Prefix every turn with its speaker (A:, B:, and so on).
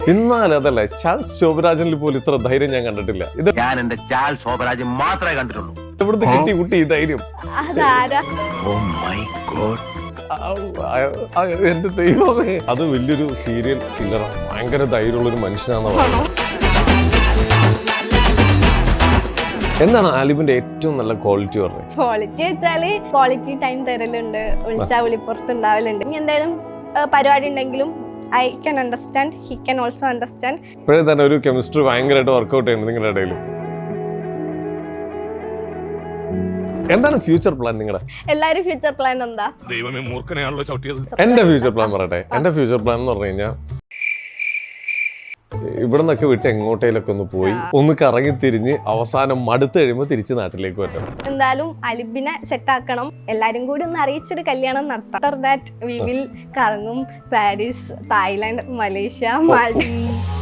A: എന്നാലും അതല്ലേ ചാൾസ് ശോഭരാജനിൽ പോലും ഇത്ര ധൈര്യം ഞാൻ കണ്ടിട്ടില്ല. ഇത്
B: ഞാൻ എന്റെ ചാൾസ് ശോഭരാജൻ മാത്രമേ കണ്ടിട്ടുള്ളൂ.
A: എവിടുന്ന് കിട്ടി കുട്ടി ഈ ധൈര്യം? എന്റെ ദൈവമേ, അത് വലിയൊരു സീരിയൽ കില്ലറാണ്. ഭയങ്കര ധൈര്യമുള്ളൊരു മനുഷ്യനാണെന്ന് പറയുന്നത്. എന്താണ് ആലിബിന്റെ ഏറ്റവും നല്ല ക്വാളിറ്റി പറഞ്ഞത്?
C: ക്വാളിറ്റി വെച്ചാല് ക്വാളിറ്റി ടൈം തരലുണ്ട്, വിളിച്ചാൽ വിളിപ്പുറത്തുണ്ടാവലുണ്ട്. ഇനി എന്തായാലും പരിപാടി ഉണ്ടെങ്കിലും I can understand, he can also understand.
A: ഇപ്പോഴേ തന്നെ ഒരു കെമിസ്ട്രി ഭയങ്കരമായിട്ട് വർക്ക്ഔട്ട് ചെയ്യുന്നത് നിങ്ങളുടെ ഇടയിൽ. എന്താണ് ഫ്യൂച്ചർ പ്ലാൻ നിങ്ങളുടെ?
C: എല്ലാരും ഫ്യൂച്ചർ പ്ലാൻ എന്താ?
D: ദൈവമേ, മൂർഖനെയാണല്ലോ ചവിട്ടിയത്.
A: എന്റെ ഫ്യൂച്ചർ പ്ലാൻ പറയട്ടെ. എന്റെ ഫ്യൂച്ചർ പ്ലാൻ എന്ന് പറഞ്ഞു കഴിഞ്ഞാൽ ഇവിടെ നിന്നൊക്കെ വിട്ട് എങ്ങോട്ടേലൊക്കെ ഒന്ന് പോയി ഒന്ന് കറങ്ങി തിരിഞ്ഞ് അവസാനം മടുത്ത് കഴിയുമ്പോൾ തിരിച്ച് നാട്ടിലേക്ക് വരണം.
C: എന്തായാലും അലിബിനെ സെറ്റ് ആക്കണം. എല്ലാരും കൂടി ഒന്ന് അറിയിച്ചൊരു കല്യാണം നടത്താം. ആഫ്റ്റർ ദാറ്റ് വി വിൽ കറങ്ങും. പാരീസ്, തായ്ലാൻഡ്, മലേഷ്യ, മാലദ്വീപ്.